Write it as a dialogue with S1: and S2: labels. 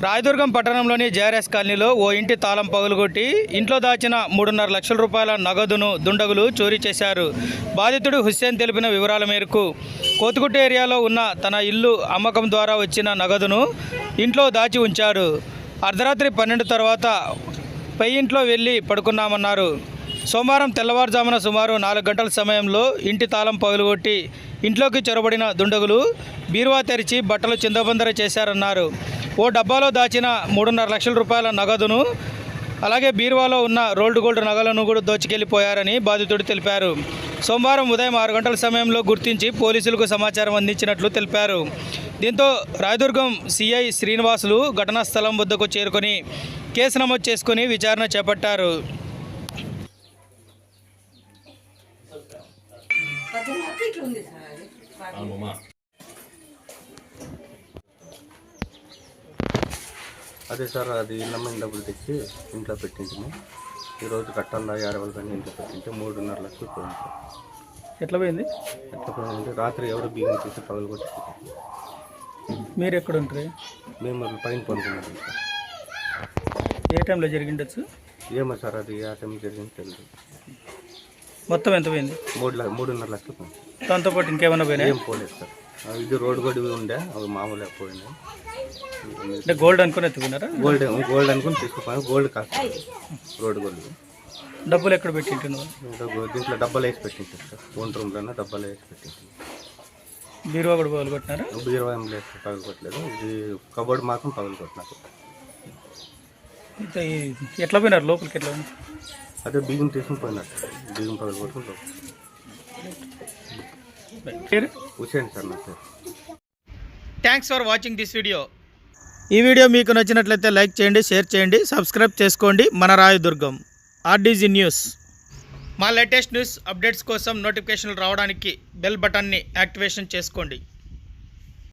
S1: రాయదుర్గం పట్టణంలోని జేఆర్ఎస్ కాలనీలో ఓ ఇంటి తాళం పగులుగొట్టి ఇంట్లో దాచిన 3.5 లక్షల రూపాయల నగదును దుండగులు చోరీ చేశారు. బాధితుడు హుస్సేన్ తెలిపిన వివరాల మేరకు కోతుగుట్ట ఏరియాలో ఉన్న తన ఇల్లు అమ్మకం ద్వారా వచ్చిన నగదును ఇంట్లో దాచి ఉంచారు. అర్ధరాత్రి 12 తర్వాత పై ఇంట్లో వెళ్ళి పడుకున్నామన్నారు. సోమవారం తెల్లవారుజామున సుమారు 4 గంటల సమయంలో ఇంటి తాళం పగులుగొట్టి ఇంట్లోకి చొరబడిన దుండగులు బీరువా తెరిచి బట్టలు చిందబందర చేశారన్నారు. ఓ డబ్బాలో దాచిన 3.5 లక్షల రూపాయల నగదును అలాగే బీరువాలో ఉన్న రోల్డ్ గోల్డ్ నగలను కూడా దోచుకెళ్లిపోయారని బాధితుడు తెలిపారు. సోమవారం ఉదయం 6 గంటల సమయంలో గుర్తించి పోలీసులకు సమాచారం అందించినట్లు తెలిపారు. దీంతో రాయదుర్గం సిఐ శ్రీనివాసులు ఘటనా స్థలం వద్దకు చేరుకొని కేసు నమోదు చేసుకుని విచారణ చేపట్టారు.
S2: అదే సార్, అది నమ్మని డబ్బులు తెచ్చి ఇంట్లో పెట్టించాము. ఈరోజు కట్టాల 50 పని ఇంట్లో పెట్టింటే 3.5 లక్షలు పోయింది సార్.
S1: ఎట్లా పోయింది?
S2: ఎట్లా పోయిందంటే రాత్రి ఎవరు బియ్యం తీసి పగలు కొట్టి.
S1: మీరు ఎక్కడ ఉంటారు?
S2: మేము పైన పడుకున్నాం సార్.
S1: ఏ టైంలో జరిగిండొచ్చు?
S2: ఏమో సార్, అది ఆ టైం జరిగింది తెలియదు.
S1: మొత్తం ఎంత పోయింది?
S2: 3.5 లక్షలు పోయింది.
S1: దాంతోపాటు ఇంకేమైనా పోయినాయి?
S2: ఏం పోలేదు సార్. ఇది రోడ్డు గొడవ ఉండే, అవి మామూలుగా పోయినాయి.
S1: అంటే గోల్డ్ అనుకుని ఎత్తుకున్నారా?
S2: గోల్డ్ అనుకుని తీసుకుపోయాను. గోల్డ్ కాదు, రోడ్డు గోల్డ్.
S1: డబ్బులు ఎక్కడ పెట్టింటున్నావు?
S2: దీంట్లో డబ్బాలు వేసి పెట్టించారు సార్. ఓన్ రూమ్లోనే డబ్బాలు వేసి పెట్టించారు.
S1: బీరువా కూడా పగలు కొట్టినారా?
S2: బీరువా ఏం లేదు, పగలు కొట్టలేదు. ఇది కబోర్డ్ మాత్రం పగలు కొట్టినారు.
S1: ఎట్లా పోయినారు లోపలికి? ఎట్లా ఉంది?
S2: అదే బియ్యం తీసుకుని పోయినట్టు, బియ్యం పగలు కొట్టుకుని. హుస్సేన్ సార్ నా పేరు.
S1: Thanks for watching this video. ఈ వీడియో మీకు నచ్చినట్లయితే లైక్ చేయండి, షేర్ చేయండి, సబ్స్క్రైబ్ చేసుకోండి. మన రాయదుర్గం ఆర్డీజీ న్యూస్. మా లేటెస్ట్ న్యూస్ అప్డేట్స్ కోసం నోటిఫికేషన్లు రావడానికి బెల్ బటన్ని యాక్టివేషన్ చేసుకోండి.